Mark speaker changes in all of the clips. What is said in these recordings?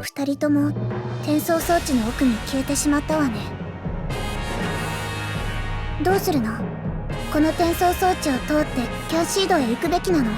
Speaker 1: 二人とも転送装置の奥に消えてしまったわね。どうするの？この転送装置を通ってキャンシードへ行くべきなの？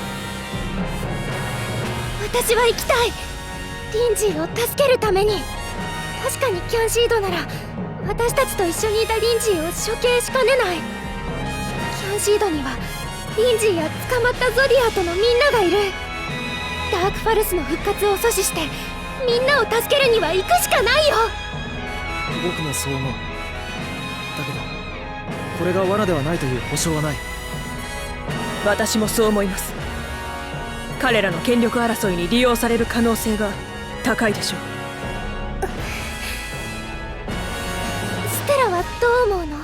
Speaker 2: 私は行きたい。リンジーを助けるために。確かにキャンシードなら私たちと一緒にいたリンジーを処刑しかねない。キャンシードにはリンジーや捕まったゾディアとのみんながいる。ダークファルスの復活を阻止してみんなを助けるには行くしかないよ。
Speaker 3: 僕もそう思う。だけどこれが罠ではないという保証はない。
Speaker 4: 私もそう思います。彼らの権力争いに利用される可能性が高いでしょう。
Speaker 2: ステラはどう思うの？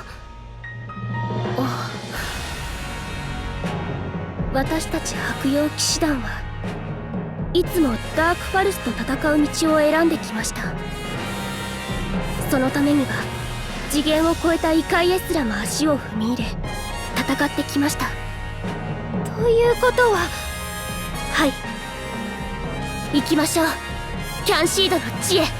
Speaker 2: 私たち白妖騎士団はいつもダークファルスと戦う道を選んできました。そのためには次元を超えた異界へすらも足を踏み入れ戦ってきました。ということは、はい、行きましょう。キャンシードの地へ。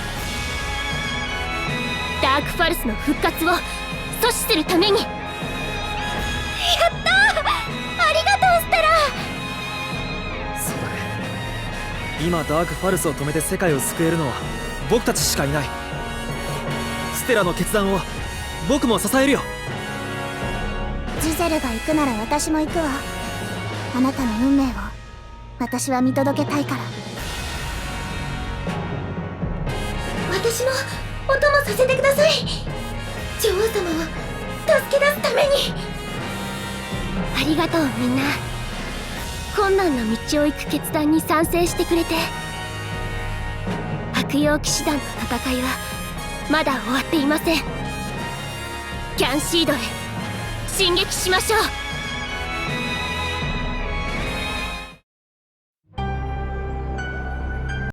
Speaker 2: ダークファルスの復活を阻止するために。やったー！ありがとう、ステラ。
Speaker 3: そうだ。今ダークファルスを止めて世界を救えるのは僕たちしかいない。ステラの決断を僕も支えるよ。
Speaker 1: ジゼルが行くなら私も行くわ。あなたの運命を私は見届けたいから。
Speaker 2: 私もお供させてください。女王様を助け出すために。ありがとう、みんな。困難な道を行く決断に賛成してくれて。白妖騎士団の戦いはまだ終わっていません。キャンシードへ進撃しましょう。